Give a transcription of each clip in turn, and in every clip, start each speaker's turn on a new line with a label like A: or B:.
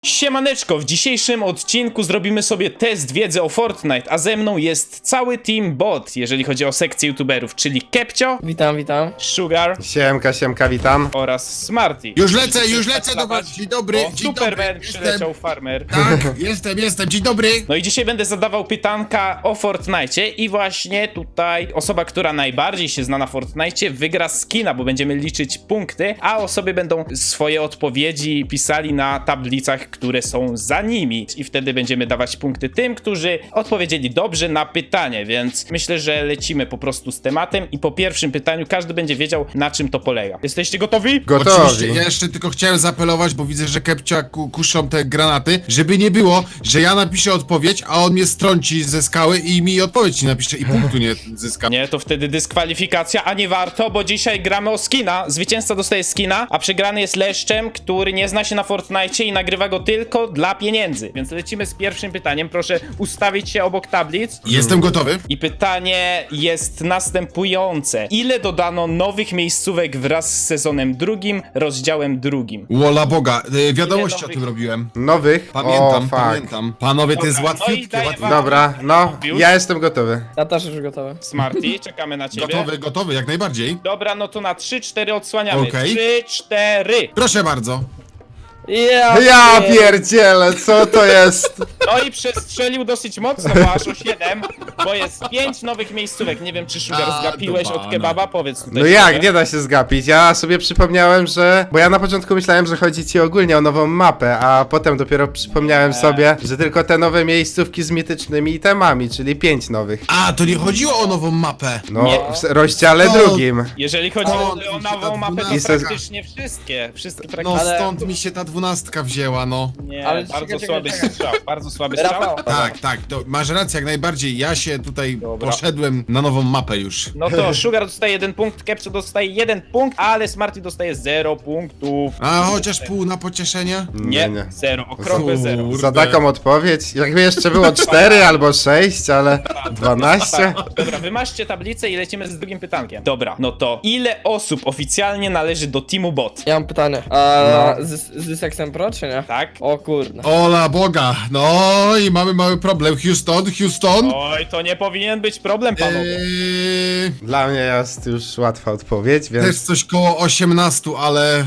A: Siemaneczko, w dzisiejszym odcinku zrobimy sobie test wiedzy o Fortnite, a ze mną jest cały team bot, jeżeli chodzi o sekcję youtuberów, czyli Kepcio,
B: Witam, witam.
A: Sugar
C: Siemka, witam.
A: oraz Smarty.
D: Już lecę do was, dzień dobry,
A: O,
D: dzień
A: Superman
D: dobry,
A: przyleciał, farmer.
D: Tak, jestem, dzień dobry.
A: No i dzisiaj będę zadawał pytanka o Fortnite i właśnie tutaj osoba, która najbardziej się zna na Fortnite, wygra skina, bo będziemy liczyć punkty, a osoby będą swoje odpowiedzi pisali na tablicach, które są za nimi i wtedy będziemy dawać punkty tym, którzy odpowiedzieli dobrze na pytanie, więc myślę, że lecimy po prostu z tematem i po pierwszym pytaniu każdy będzie wiedział, na czym to polega. Jesteście gotowi?
C: Gotowi.
D: Oczywiście, ja jeszcze tylko chciałem zaapelować, bo widzę, że Kepcia kuszą te granaty, żeby nie było, że ja napiszę odpowiedź, a on mnie strąci ze skały i mi odpowiedź nie napisze i punktu nie zyska.
A: Nie, to wtedy dyskwalifikacja, a nie warto, bo dzisiaj gramy o skina. Zwycięzca dostaje skina, a przegrany jest leszczem, który nie zna się na Fortnite i nagrywa go tylko dla pieniędzy. Więc lecimy z pierwszym pytaniem. Proszę ustawić się obok tablic.
D: Jestem gotowy.
A: I pytanie jest następujące. Ile dodano nowych miejscówek wraz z sezonem drugim, rozdziałem drugim?
D: Wola Boga, wiadomości o
A: nowych?
D: tym robiłem.
C: Nowych?
D: Pamiętam,
C: O, fuck.
D: pamiętam. Panowie, to jest
A: Dobra, no i
D: łatwiutkie,
A: daję
D: łatwiutkie.
A: wam-
C: Dobra, no, ja jestem gotowy.
B: Ja też już gotowy.
A: Smarty, czekamy na ciebie.
D: Gotowy, jak najbardziej.
A: Dobra, no to na 3-4 odsłaniamy.
D: Okej.
A: 3-4.
D: Proszę bardzo.
C: Ja pierdzielę, co to jest?
A: No i przestrzelił dosyć mocno, bo aż o 7, bo jest 5 nowych miejscówek. Nie wiem, czy Sugar
D: A,
A: zgapiłeś
D: do
A: od
D: pana.
A: kebaba? Powiedz tutaj.
C: No
A: szczerze.
C: jak, nie da się zgapić. Ja sobie przypomniałem, że... Bo ja na początku myślałem, że chodzi ci ogólnie o nową mapę, a potem dopiero przypomniałem sobie, że tylko te nowe miejscówki z mitycznymi itemami, czyli 5 nowych.
D: A, to nie chodziło o nową mapę.
C: No,
A: Nie.
C: w rozdziale
D: O.
C: drugim.
A: Jeżeli chodzi
D: O,
A: o
D: mi się
A: nową
D: ta
A: mapę, to
D: 12.
A: praktycznie wszystkie
D: No
A: praktycznie.
B: Ale-
D: stąd mi się ta 12 wzięła, no.
A: Nie,
B: Ale
A: bardzo
B: czekaj,
A: słaby
B: czekaj.
A: strzał, bardzo słaby strzał.
B: Rafał.
D: Tak, to masz rację jak najbardziej. Ja się tutaj
A: Dobra.
D: poszedłem na nową mapę już.
A: No to Sugar dostaje 1 punkt, Kepcio dostaje 1 punkt, ale Smarty dostaje 0 punktów.
D: A chociaż pół na pocieszenie?
A: Nie, 0, okrągłe 0.
D: Kurde.
C: Za taką odpowiedź, jakby jeszcze było 4 albo 6, ale 12?
A: Dobra, wymażcie tablicę i lecimy z drugim pytankiem. Dobra, no to ile osób oficjalnie należy do teamu bot?
B: Ja mam pytanie. A z Sexem Pro, czy nie?
A: Tak?
B: O kurde.
D: Ola Boga, no i mamy mały problem. Houston?
A: Oj, to nie powinien być problem, panowie.
C: Dla mnie jest już łatwa odpowiedź,
D: Też
C: więc...
D: coś koło 18, ale...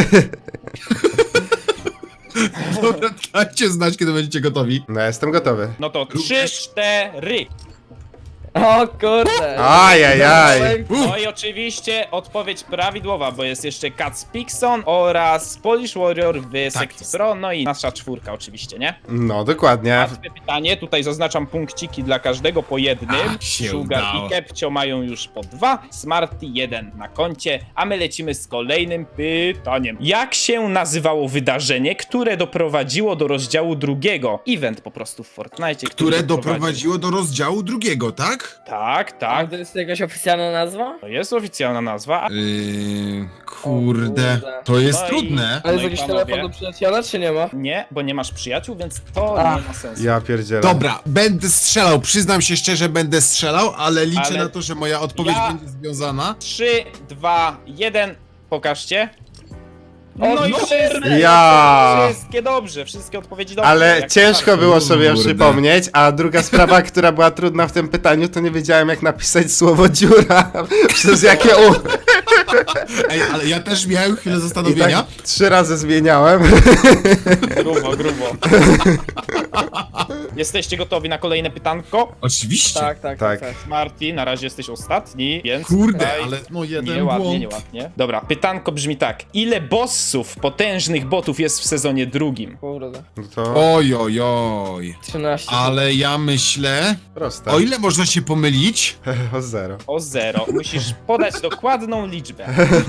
D: Dobra, dajcie znać, kiedy będziecie gotowi.
C: No, jestem gotowy.
A: No to 3, 4.
B: O kurde.
C: Ajajaj.
A: No i oczywiście odpowiedź prawidłowa, bo jest jeszcze Cats Pixon oraz Polish Warrior w sekcji
D: jest.
A: Pro, no i nasza czwórka oczywiście, nie?
C: No, dokładnie.
A: Łatwe pytanie, tutaj zaznaczam punkciki dla każdego po jednym.
D: Ach, się
A: Sugar
D: udało.
A: i Kepcio mają już po 2, Smarty 1 na koncie, a my lecimy z kolejnym pytaniem. Jak się nazywało wydarzenie, które doprowadziło do rozdziału drugiego? Event po prostu w Fortnite,
D: Które doprowadziło do rozdziału drugiego, tak?
A: Tak,
B: A
A: tak.
B: to jest jakaś oficjalna nazwa?
A: To jest oficjalna nazwa.
D: Kurde, to jest
A: No i-
D: trudne.
B: Ale
A: No
B: jest
A: i
B: jakiś
A: panowie?
B: telefon do przyjaciela, czy nie ma?
A: Nie, bo nie masz przyjaciół, więc to
B: Ach.
A: nie ma sensu.
C: Ja pierdzielę.
D: Dobra, będę strzelał, przyznam się szczerze, będę strzelał, ale liczę
A: Ale
D: na to, że moja odpowiedź
A: ja-
D: będzie związana.
A: 3, 2, 1, pokażcie.
B: O,
A: No i
B: no
A: wszystkie,
C: Ja.
A: wszystkie dobrze, wszystkie odpowiedzi dobrze.
C: Ale
A: jak
C: ciężko
A: najbardziej.
C: było sobie
D: Kurde.
C: przypomnieć, a druga sprawa, która była trudna w tym pytaniu, to nie wiedziałem jak napisać słowo dziura, przez jakie u...
D: Ej, ale ja też miałem chwilę
C: I
D: zastanowienia.
C: tak 3 razy zmieniałem.
A: Grubo, grubo. Jesteście gotowi na kolejne pytanko?
D: Oczywiście.
B: Tak.
C: Tak.
A: Marty, na razie jesteś ostatni, więc
D: Kurde,
A: tutaj
D: ale no jeden
A: nieładnie,
D: błąd.
A: nieładnie. Dobra, pytanko brzmi tak. Ile bossów, potężnych botów jest w sezonie drugim?
B: Kurde.
C: No to
D: Oj, oj, oj.
B: 13.
D: Ale ja myślę,
C: proste.
D: o ile można się pomylić?
C: O 0.
A: O 0. Musisz podać dokładną liczbę.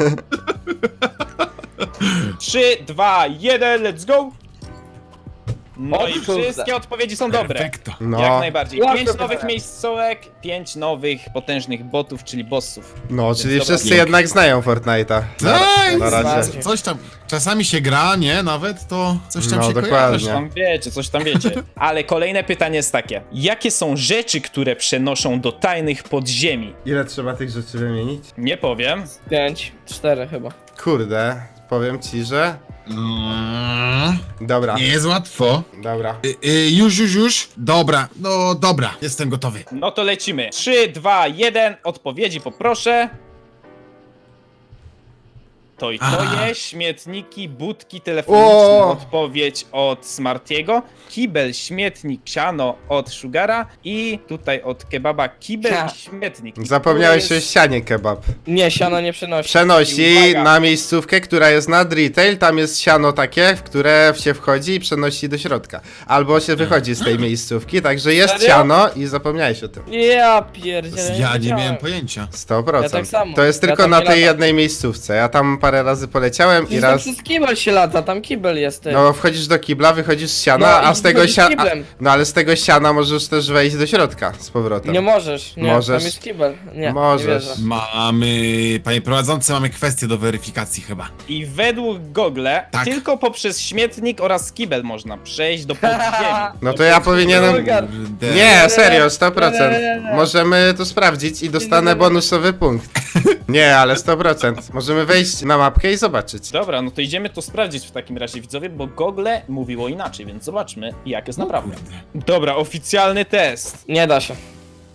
A: 3, 2, 1, let's go! No
B: O
A: i
B: kurde.
A: wszystkie odpowiedzi są dobre.
D: Perfekto.
C: No,
A: Jak najbardziej.
B: Łatwe
A: 5 nowych
B: pytanie.
A: miejscołek, 5 nowych potężnych botów, czyli bossów.
C: no, czyli
A: dobra,
C: wszyscy
D: pięknie.
C: jednak znają Fortnite'a.
D: Tak,
C: Na razie.
D: coś tam, czasami się gra, nie? Nawet to coś tam
C: No,
D: się
C: dokładnie.
A: Coś tam wiecie, coś tam wiecie. Ale kolejne pytanie jest takie. Jakie są rzeczy, które przenoszą do tajnych podziemi?
C: Ile trzeba tych rzeczy wymienić?
A: Nie powiem.
B: 5, 4 chyba.
C: Kurde, powiem ci, że Dobra,
D: Nie jest łatwo.
C: dobra.
D: Już. Dobra, no dobra, jestem gotowy.
A: No to lecimy. 3, 2, 1. Odpowiedzi poproszę. To i to
D: Aha.
A: jest. Śmietniki, budki telefoniczne.
C: O!
A: Odpowiedź od Smartiego. Kibel, śmietnik, siano od Sugara. I tutaj od Kebaba kibel
B: Ha.
A: i śmietnik. I
C: Zapomniałeś
A: to
C: o
A: jest...
C: ścianie kebab.
B: Nie, siano nie przenosi.
C: Przenosi
A: Uwaga.
C: na miejscówkę, która jest nad retail, tam jest siano takie, w które się wchodzi i przenosi do środka. Albo się wychodzi z tej miejscówki, także jest
B: Serio?
C: siano i zapomniałeś o tym.
B: Ja pierdzielę.
D: Ja nie
B: wiedziałem.
D: miałem pojęcia.
C: 100%.
B: Ja tak samo.
C: To jest
B: Ja
C: tylko
B: tam
C: na
B: nie
C: tej
B: latam.
C: jednej miejscówce. Ja tam parę razy poleciałem i
B: Przecież tam
C: raz...
B: przez kibel się lata, tam kibel jest. Ty.
C: No, wchodzisz do kibla, wychodzisz z siana,
B: No
C: a
B: i
C: z tego
B: wychodzisz
C: siana...
B: kiblem.
C: No ale z tego siana możesz też wejść do środka z powrotem.
B: Nie możesz, nie,
C: Możesz.
B: tam jest kibel. Nie,
C: Możesz.
B: nie wierzę.
D: Panie prowadzący, mamy kwestię do weryfikacji chyba.
A: I według Google
D: Tak.
A: tylko poprzez śmietnik oraz kibel można przejść do podziemi.
C: No to ja powinienem...
B: Bulgar.
D: Kurde.
C: Nie, serio, 100%.
B: Nie.
C: Możemy to sprawdzić i dostanę bonusowy punkt. Nie, ale 100%. Możemy wejść na mapkę i zobaczyć.
A: Dobra, no to idziemy to sprawdzić w takim razie, widzowie, bo Google mówiło inaczej, więc zobaczmy, jak jest naprawdę. Dobra, oficjalny test.
B: Nie da się.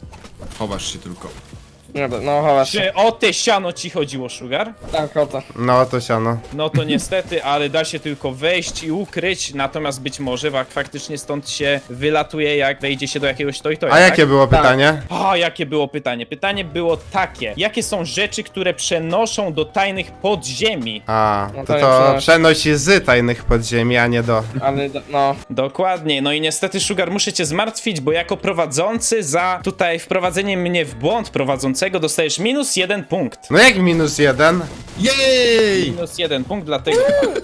D: Chowasz się tylko.
B: Nie da, no chowasz się.
A: Czy o te siano ci chodziło, Sugar?
B: Tak, o to.
C: No to siano.
A: No to niestety, ale da się tylko wejść i ukryć, natomiast być może faktycznie stąd się wylatuje, jak wejdzie się do jakiegoś toy-toya,
C: A jakie było
B: Tak.
C: pytanie?
A: A, jakie było pytanie? Pytanie było takie. Jakie są rzeczy, które przenoszą do tajnych podziemi?
C: A,
B: No
C: to
B: to
C: to
B: nie
C: przenosi z tajnych podziemi, a nie do.
B: Ale no.
A: Dokładnie, no i niestety, Sugar, muszę cię zmartwić, bo jako prowadzący za tutaj wprowadzenie mnie w błąd prowadzącego dostajesz -1 punkt.
C: No jak -1?
D: Jej!
A: -1 punkt, dlatego.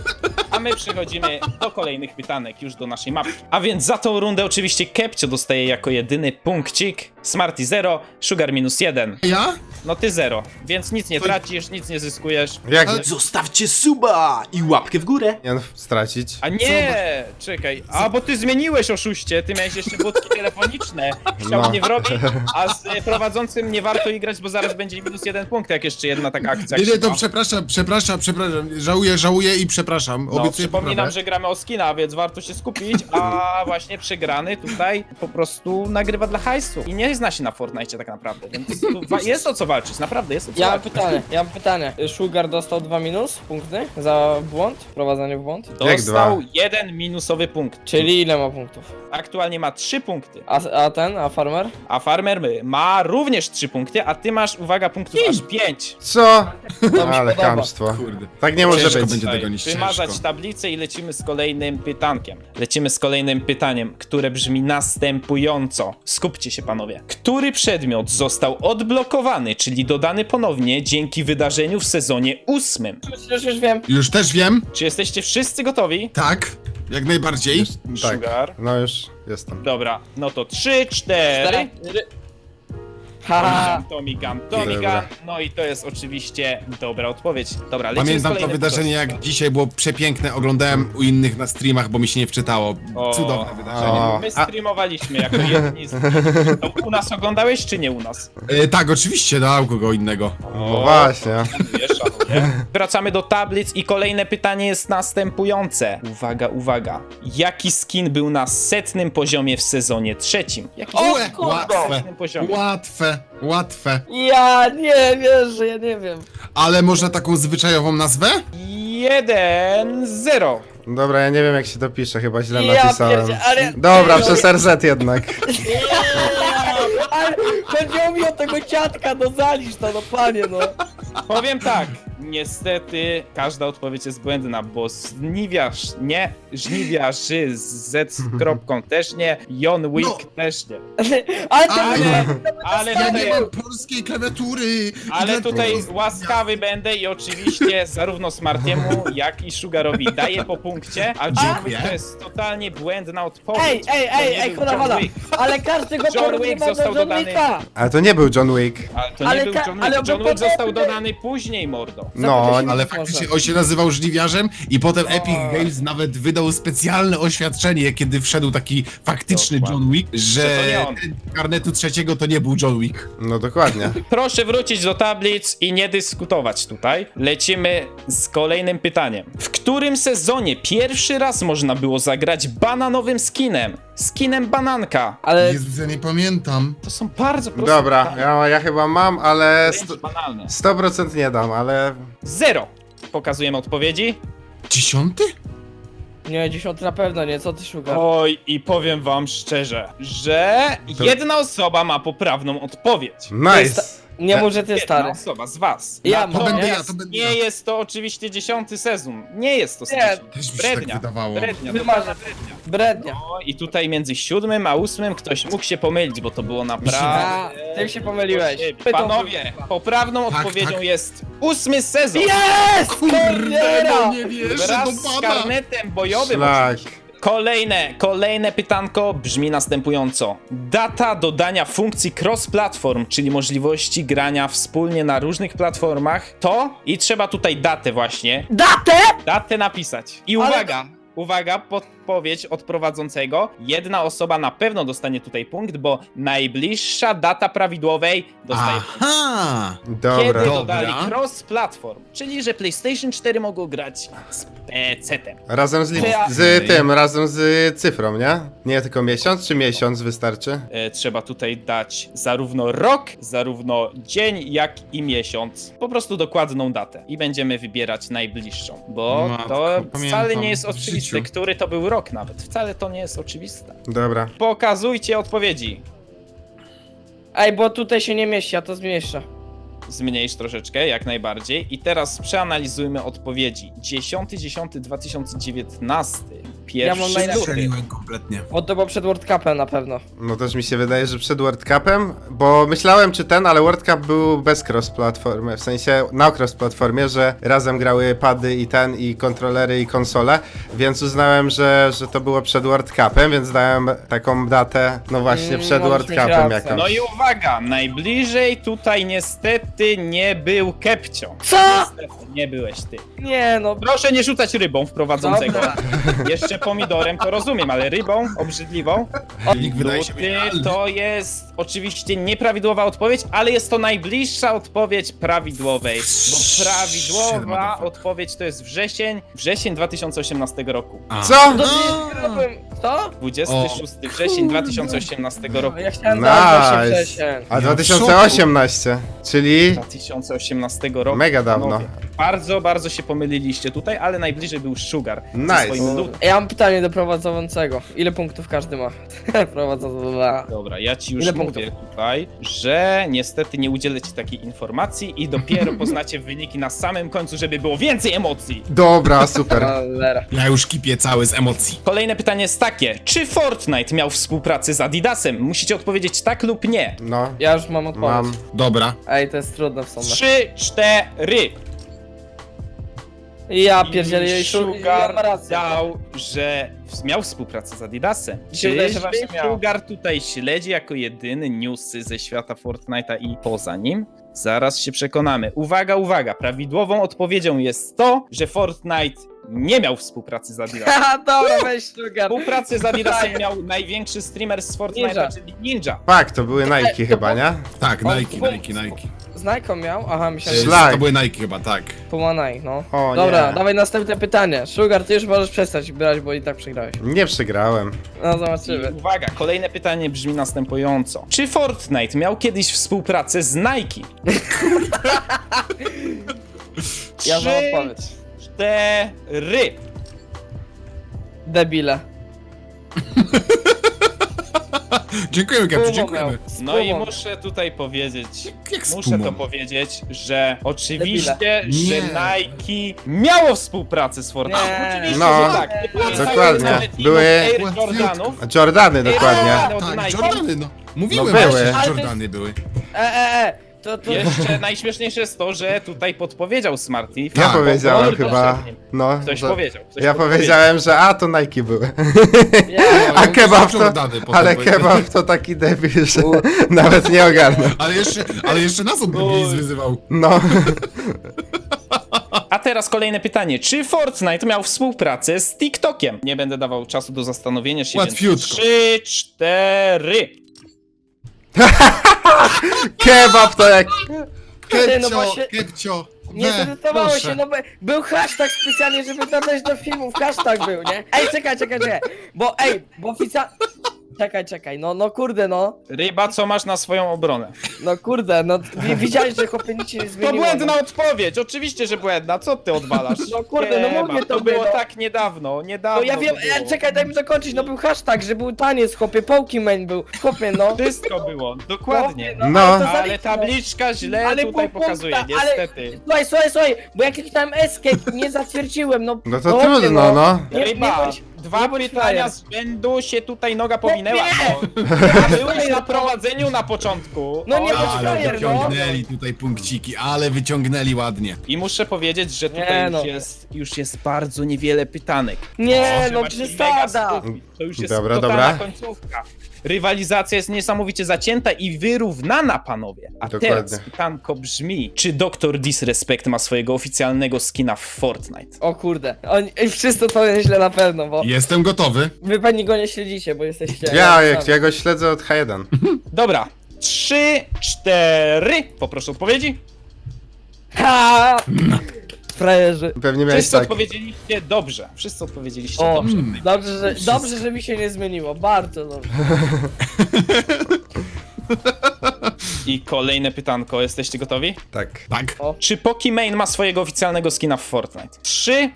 A: A my przechodzimy do kolejnych pytanek, już do naszej mapki. A więc za tą rundę oczywiście Kepcio dostaje jako jedyny punkcik, Smarty 0, Sugar -1.
D: Ja?
A: No ty 0, więc nic nie tracisz, nic nie zyskujesz.
C: Jak
D: Ale-
E: Zostawcie suba i łapkę w górę.
C: nie stracić?
A: A nie, czekaj, a bo ty zmieniłeś, oszuście, ty miałeś jeszcze budki telefoniczne, chciał
C: No.
A: mnie wrobić, a z prowadzącym nie warto igrać, bo zaraz będzie -1 punkt, jak jeszcze jedna taka akcja.
D: Nie, to
A: krzywa.
D: przepraszam. Żałuję i przepraszam.
A: No,
D: Obiecuję
A: przypominam,
D: poprawę.
A: że gramy o skina, więc warto się skupić, a właśnie przegrany tutaj po prostu nagrywa dla hajsu i nie zna się na Fortnite tak naprawdę, więc tu jest o co walczyć, naprawdę jest o co
B: Ja mam
A: walczyć.
B: pytanie. Sugar dostał 2 punkty za błąd, wprowadzanie w błąd.
C: Jak
A: Dostał
C: dwa?
A: 1 minusowy punkt,
B: Czyli ile ma punktów?
A: aktualnie ma 3 punkty,
B: A farmer?
A: a Farmer ma również 3 punkty, a ty masz, uwaga, punktów aż 5.
C: Co?
B: To mi się
C: Ale
B: podoba.
C: chamstwo.
D: Kurde.
C: Tak nie może
D: Ciężko
C: być.
D: będzie dogonić,
A: Wymazać
D: ciężko.
A: tablicę i lecimy z kolejnym pytankiem. Lecimy z kolejnym pytaniem, które brzmi następująco. Skupcie się, panowie. Który przedmiot został odblokowany, czyli dodany ponownie dzięki wydarzeniu w sezonie 8?
B: Już wiem.
D: Już też wiem.
A: Czy jesteście wszyscy gotowi?
D: Tak, jak najbardziej.
C: Tak.
A: Sugar.
C: No już jestem.
A: Dobra, no to 3, 4.
B: Haha.
A: Tomigam.
C: Dobra.
A: No i to jest oczywiście dobra odpowiedź. Dobra, lecimy z
D: Pamiętam to
A: kolejnym
D: wydarzenie jak dzisiaj, było przepiękne. Oglądałem u innych na streamach, bo mi się nie wczytało.
A: O.
D: Cudowne wydarzenie.
C: O.
A: My streamowaliśmy jako jedni z to u nas oglądałeś, czy nie u nas?
D: Tak, oczywiście, dał kogo innego.
C: No właśnie.
A: Szanuję. Wracamy do tablic i kolejne pytanie jest następujące. Uwaga, uwaga. Jaki skin był na 100. poziomie w sezonie 3? Jaki
D: Ue,
B: kurde.
D: łatwe,
A: 100. poziomie?
D: łatwe.
B: Ja nie wierzę, ja nie wiem.
D: Ale można taką zwyczajową nazwę?
A: 1-0.
C: Dobra, ja nie wiem jak się to pisze, chyba źle
B: Ja
C: napisałem.
B: pierdzie- ale-
C: Dobra, przez RZ jednak.
B: Ale chodziło mi o tego dziadka, no zalisz to, no panie, no.
A: Powiem tak. Niestety każda odpowiedź jest błędna, bo żniwiarzy z Z kropką też nie, John Wick
D: No.
A: też nie.
B: Ale to
A: Ale
D: Ja
A: tutaj,
D: nie mam polskiej klawiatury.
A: ale
D: I
A: tutaj
D: dlatego-
A: łaskawy będę i oczywiście zarówno Smartiemu, jak i Sugarowi daję po punkcie, a John Wick
D: Dziękuję.
A: to jest totalnie błędna odpowiedź.
B: ej,
A: To nie był
B: hola,
A: John Wick.
B: ale każdy go
A: John
B: porównywa
A: Wick
B: do
A: został
B: John
A: dodany.
B: Wicka.
C: Ale to nie był John Wick.
A: Ale to nie
B: Ale
A: był
B: ka-
A: John
B: ale
A: Wick. John
B: on
A: Wick został
B: potem-
A: dodany później, mordo.
C: No,
B: Zapytaj się,
D: Ale
B: może.
D: faktycznie on się nazywał żniwiarzem i potem Epic Games nawet wydał specjalne oświadczenie, kiedy wszedł taki faktyczny John Wick, że
A: to nie on.
D: ten karnetu trzeciego to nie był John Wick.
C: no dokładnie.
A: Proszę wrócić do tablic i nie dyskutować tutaj. Lecimy z kolejnym pytaniem. W którym sezonie pierwszy raz można było zagrać bananowym skinem? Skinem bananka.
B: Ale
D: Jezus, ja nie pamiętam.
A: To są bardzo proste
C: Dobra,
A: pytania.
C: ja chyba mam, ale
A: Wręcz banalne.
C: 100% nie dam, ale...
A: 0. Pokazujemy odpowiedzi.
D: 10?
B: nie, 10 na pewno nie, co ty szukasz?
A: Oj, i powiem wam szczerze, że jedna osoba ma poprawną odpowiedź.
C: Nice!
B: Nie mów, że ty
A: Jedna
B: stary.
A: osoba z was.
B: Ja
D: To
B: mam,
D: będę
B: nie?
D: ja, to będę ja.
A: Nie jest to oczywiście 10. sezon. Nie jest to
B: Nie.
A: 10.
D: Też mi się tak
A: Brednia.
D: wydawało.
A: Brednia.
B: Wymarzę. Brednia.
A: No i tutaj między 7 a 8 ktoś mógł się pomylić, bo to było naprawdę...
B: Ty się pomyliłeś.
A: Panowie, poprawną
D: Tak,
A: odpowiedzią
D: tak.
A: jest 8 sezon.
B: Jest!
D: Kurde, nie wierzę,
A: Wraz
D: do
A: z
D: pana.
A: karnetem bojowym.
C: Szlak.
A: Kolejne pytanko brzmi następująco. Data dodania funkcji cross-platform, czyli możliwości grania wspólnie na różnych platformach, to i trzeba tutaj datę właśnie, datę napisać. I
B: Ale-
A: uwaga, podpowiedź od prowadzącego. Jedna osoba na pewno dostanie tutaj punkt, bo najbliższa data prawidłowej dostaje punkt.
D: Aha!
A: Kiedy
C: Dobra.
A: dodali cross-platform, czyli że PlayStation 4 mogło grać z PC-tem.
C: Razem
B: Czy ja-
C: razem z cyfrą, nie? Nie tylko miesiąc, czy miesiąc wystarczy?
A: Trzeba tutaj dać zarówno rok, zarówno dzień, jak i miesiąc. Po prostu dokładną datę. I będziemy wybierać najbliższą. Bo
D: Matko,
A: to wcale
D: pamiętam
A: nie jest
D: w
A: oczywiste,
D: życiu.
A: który to był rok nawet. Wcale to nie jest oczywiste.
C: Dobra.
A: Pokazujcie odpowiedzi.
B: Ej, bo tutaj się nie mieści, ja to zmniejszę.
A: Zmniejsz troszeczkę, jak najbardziej. I teraz przeanalizujmy odpowiedzi. 10.10.2019.
B: Ja mam
A: Pierwszy
B: najlepsze.
A: luty.
D: Strzeliłem kompletnie.
B: O, to było przed World Cupem na pewno.
C: No też mi się wydaje, że przed World Cupem, bo myślałem czy ten, ale World Cup był bez cross-platformy, w sensie na cross-platformie, że razem grały pady i ten, i kontrolery, i konsole, więc uznałem, że to było przed World Cupem, więc dałem taką datę, no właśnie przed
B: możesz
C: World
B: mieć
C: Cupem
B: rację.
C: jakąś.
A: No i uwaga, najbliżej tutaj niestety nie był Kepcio.
B: Co?
A: Niestety, nie byłeś ty.
B: Nie no,
A: Proszę nie rzucać rybą w prowadzącego.
B: Dobra.
A: Jeszcze pomidorem to rozumiem, ale rybą obrzydliwą.
D: Nikt wydaje się
A: Luty
D: genialny.
A: to jest oczywiście nieprawidłowa odpowiedź, ale jest to najbliższa odpowiedź prawidłowej. Bo prawidłowa odpowiedź to jest wrzesień 2018 roku.
D: A.
C: Co?
B: to nie zrobiłem. Co?
A: 26 wrzesień 2018 roku.
B: Ja chciałem
C: Nice.
B: dać właśnie wrzesień.
C: A
D: Ja w
C: 2018, czyli
A: 2018 roku.
C: mega dawno.
A: Panowie, bardzo, bardzo się pomyliliście tutaj, ale najbliżej był Sugar. ze
C: Nice.
A: swoim lutem.
B: Ja mam pytanie do prowadzącego. Ile punktów każdy ma? Prowadzący.
A: Dobra, ja ci już
B: Ile
A: mówię tutaj, że niestety nie udzielę ci takiej informacji i dopiero poznacie wyniki na samym końcu, żeby było więcej emocji.
C: Dobra, super.
B: Cholera.
D: Ja już kipię cały z emocji.
A: Kolejne pytanie jest takie, czy Fortnite miał współpracę z Adidasem? Musicie odpowiedzieć tak lub nie.
C: No,
B: Ja już mam odpowiedź.
C: mam.
D: Dobra.
B: Ej, to jest trudne w sumie.
A: 3, 4.
B: Ja pierdzielę, ja
A: Sugar
B: ma rację.
A: dał, że miał współpracę z Adidasem.
B: Mi się wydaje, że
A: Czyżby
B: właśnie miał.
A: Sugar tutaj śledzi jako jedyny newsy ze świata Fortnite'a i poza nim? Zaraz się przekonamy. Uwaga, uwaga. Prawidłową odpowiedzią jest to, że Fortnite nie miał współpracy z Adidasem.
B: Haha, dobra, weź Sugar.
A: Współpracę z Adidasem miał największy streamer z
B: Tak. Ninja.
A: Fortnite'a, czyli Ninja.
C: Tak, to były Nike chyba, nie?
D: Tak,
B: O,
D: Nike.
B: Z Nike miał? Aha, myślałem, że
C: Szlak.
D: To były Nike chyba, tak.
B: Puma Nike, no.
C: O,
B: Dobra,
C: nie.
B: dawaj następne pytanie. Sugar, ty już możesz przestać brać, bo i tak przegrałeś.
C: Nie przegrałem.
B: No,
A: I
B: zobaczymy.
A: uwaga, kolejne pytanie brzmi następująco. Czy Fortnite miał kiedyś współpracę z Nike?
B: Ja znam
A: 3,
B: odpowiedź.
A: 4.
B: Debile.
D: Dziękujemy, Kepciu,
B: Puma
D: dziękujemy.
B: miał. Z
A: No i
B: Pumą.
A: muszę tutaj powiedzieć,
D: Jak z
A: muszę
D: Pumą?
A: to powiedzieć, że oczywiście,
D: Nie.
A: że Nike miało współpracę z Fortnite.
B: Nie.
A: Oczywiście,
C: No.
A: że tak. Nie pamiętajmy
C: Dokładnie.
A: nawet teamów
C: Były-
A: Air Jordanów.
C: Jordany dokładnie.
A: Od
D: Tak,
A: Nike.
D: Jordany, no. Mówiłem,
C: No
D: właśnie,
C: były.
D: że
B: Ale to
D: Jordany były.
B: To...
A: Jeszcze najśmieszniejsze jest to, że tutaj podpowiedział Smarty.
C: Ja
D: Tak,
C: powiedziałem
A: bo-
C: chyba. No,
A: Ktoś
C: że-
A: powiedział. Ktoś
C: Ja
A: podpowiedział.
C: powiedziałem, że to Nike były.
B: Ja,
C: A kebab to,
D: Jordany potem
C: ale
D: powiedział.
C: kebab to taki debil, że nawet nie ogarnął.
D: Ale jeszcze nas on debilizm wyzywał.
C: No,
A: A teraz kolejne pytanie. Czy Fortnite miał współpracę z TikTokiem? Nie będę dawał czasu do zastanowienia się.
D: Łatwiutko.
A: 3, 4.
C: Kebab to jak...
B: No właśnie-
D: Kepcio,
B: Nie zdecydowało
D: proszę.
B: się, no bo był hashtag specjalnie, żeby dodać do filmów, hashtag był, nie? Ej, czekaj, bo oficjalnie... Czekaj, no kurde, no.
A: Ryba, co masz na swoją obronę?
B: No kurde, no widziałeś, że chłopie nic się nie
A: To
B: zmieniło.
A: błędna odpowiedź, oczywiście, że błędna. Co ty odwalasz?
B: No kurde, no
A: Kebab,
B: mówię
A: to
B: tobie,
A: było
B: no.
A: tak niedawno,
B: No ja wiem,
A: to było.
B: czekaj, daj mi dokończyć, no był hashtag, że był taniec, chłopie, Pokimane był, chłopie, no.
A: Wszystko było, dokładnie.
B: Chłopie,
C: No.
B: ale to
A: Ale
B: zaliczmy.
A: tabliczka źle
B: Ale
A: tutaj
B: pół
A: pokazuje,
B: punkta, ale-
A: niestety.
B: Słuchaj, bo ja kliknąłem escape, nie zatwierdziłem, no.
C: No to
B: chłopie,
C: trudno, no.
A: Ryba,
B: bądź-
A: dwa
B: nie bądź
A: pytania
B: frajer.
A: z rzędu się tutaj noga powinęła.
B: Nie.
A: No. Byłeś na prowadzeniu na początku.
B: No nie
A: O,
B: bądź
A: ale-
B: frajer.
D: Wyciągnęli tutaj punkciki, ale wyciągnęli ładnie.
A: I muszę powiedzieć, że tutaj
B: Nie, no.
A: już jest bardzo niewiele pytanek.
B: Nie,
A: Że
B: no
A: macie
B: przesada.
A: mega skupki. To już jest
C: Dobra,
A: totalna
C: dobra.
A: końcówka. Rywalizacja jest niesamowicie zacięta i wyrównana, panowie. A
C: Dokładnie.
A: teraz pytanko brzmi, czy Dr. Disrespect ma swojego oficjalnego skina w Fortnite?
B: O kurde, wszyscy to źle na pewno, bo
D: Jestem gotowy.
B: wy pewnie go nie śledzicie, bo jesteście...
C: Ja go śledzę od H1.
A: Dobra, 3, 4. Poproszę odpowiedzi.
B: Ha! Frajerzy.
C: Pewnie miałeś
A: Wszyscy
C: tak.
A: odpowiedzieliście dobrze. Wszyscy odpowiedzieliście
B: O,
A: dobrze.
B: dobrze, że mi się nie zmieniło, bardzo dobrze.
A: I kolejne pytanko, jesteście gotowi?
C: Tak.
D: Tak.
A: Czy Pokimane ma swojego oficjalnego skina w Fortnite? 3,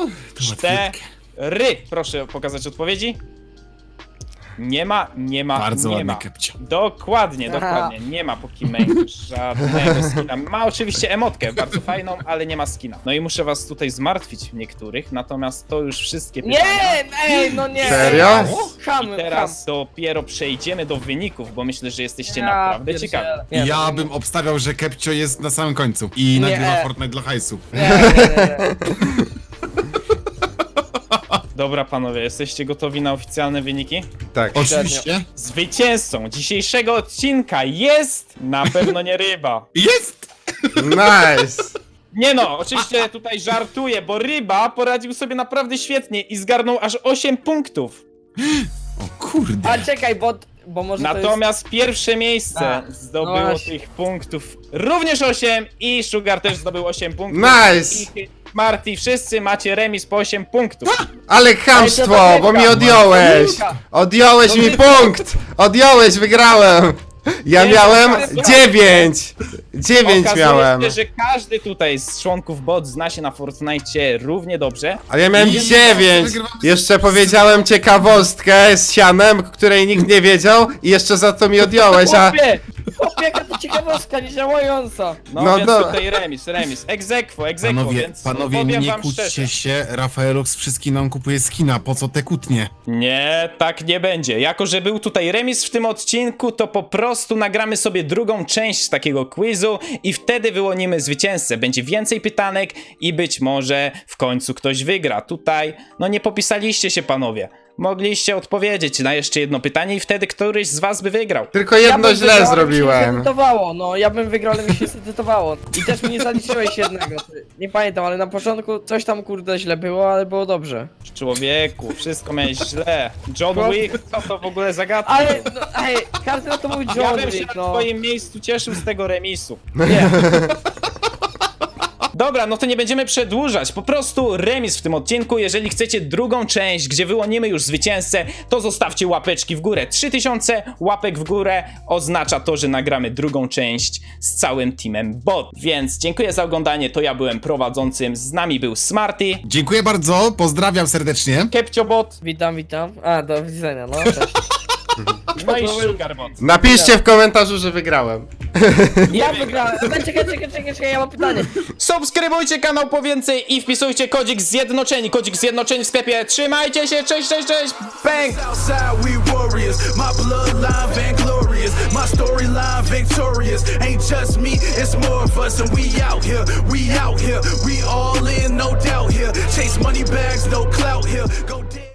A: 4. Proszę pokazać odpowiedzi. Nie ma.
D: Bardzo
A: nie
D: ładny
A: ma.
D: Kepcio.
A: Dokładnie.
B: Aha.
A: Nie ma Pokimane żadnego skina. Ma oczywiście emotkę, bardzo fajną, ale nie ma skina. No i muszę was tutaj zmartwić niektórych, natomiast to już wszystkie pytania.
B: Nie, no nie.
C: Serio?
B: Chamy,
A: Teraz dopiero przejdziemy do wyników, bo myślę, że jesteście naprawdę ciekawi.
D: Ja bym obstawiał, że Kepcio jest na samym końcu i
B: Nie.
D: nagrywa Fortnite dla hajsu.
B: Nie.
A: Dobra panowie, jesteście gotowi na oficjalne wyniki?
C: Tak.
D: Oczywiście.
A: Zwycięzcą dzisiejszego odcinka jest na pewno nie Ryba.
D: Jest!
C: Nice.
A: Nie no, oczywiście tutaj żartuję, bo Ryba poradził sobie naprawdę świetnie i zgarnął aż 8 punktów.
D: O kurde.
B: A czekaj, bo może
A: Natomiast pierwsze miejsce
B: A,
A: zdobyło
B: no właśnie.
A: tych punktów również 8 i Sugar też zdobył 8 punktów.
C: Nice.
A: I Marty, wszyscy macie remis po 8 punktów.
C: Ale chamstwo, bo mi odjąłeś. Odjąłeś mi punkt. Odjąłeś, wygrałem. Ja
A: Nie,
C: miałem
A: to jest
C: 9. 9
A: Okazuje
C: miałem.
A: się, że każdy tutaj z członków bot zna się na Fortnite równie dobrze.
C: Ale ja miałem
D: Nie,
C: 9.
D: wygrywamy
C: Jeszcze powiedziałem ciekawostkę z sianem, której nikt nie wiedział i jeszcze za to mi odjąłeś, a...
B: Chłopie, jaka to ciekawostka niedziałająca.
A: No,
C: No,
A: więc
C: no.
A: tutaj remis. Egzekwo, więc
D: Panowie,
A: powiem
D: nie
A: wam
D: kłóćcie
A: szczerze.
D: się, Rafaelux wszystkim nam kupuje skina, po co te kłótnie?
A: Nie, tak nie będzie. Jako że był tutaj remis w tym odcinku, to po prostu nagramy sobie drugą część takiego quizu i wtedy wyłonimy zwycięzcę. Będzie więcej pytanek i być może w końcu ktoś wygra. Tutaj, no nie popisaliście się panowie. Mogliście odpowiedzieć na jeszcze jedno pytanie i wtedy któryś z was by wygrał.
C: Tylko jedno
B: bym
C: źle
B: wygrał, ale mi się nie
C: zrobiłem.
B: zedytowało, no ja bym wygrał, ale mi się zedytowało. I też mi nie zaliczyłeś jednego. Nie pamiętam, ale na początku coś tam kurde źle było, ale było dobrze.
A: Człowieku, wszystko miałeś źle. John Wick, co to w ogóle zagadka?
B: Ale, no, ej, każdy na to mój
A: Ja
B: John
A: bym się
B: Wick,
A: na
B: no.
A: twoim miejscu cieszył z tego remisu. Nie. Dobra, no to nie będziemy przedłużać, po prostu remis w tym odcinku. Jeżeli chcecie drugą część, gdzie wyłonimy już zwycięzcę, to zostawcie łapeczki w górę. 3000 łapek w górę oznacza to, że nagramy drugą część z całym teamem bot. Więc dziękuję za oglądanie, to ja byłem prowadzącym, z nami był Smarty,
D: Dziękuję bardzo, pozdrawiam serdecznie.
A: KepcioBot,
B: Witam. A, do widzenia, no cześć.
A: no i SugarBot.
C: Napiszcie w komentarzu, że wygrałem.
B: Ja wygrałem. Czekaj, ja mam pytanie.
A: Subskrybujcie kanał po więcej i wpisujcie kodzik zjednoczeni. Kodzik zjednoczeni w sklepie. Trzymajcie się, cześć, bang!
F: Outside we warriors, my bloodline vainglorious, my storyline victorious. Ain't just me, it's more of us, and we out here, we all in, no doubt here. Chase money bags, no clout here. Go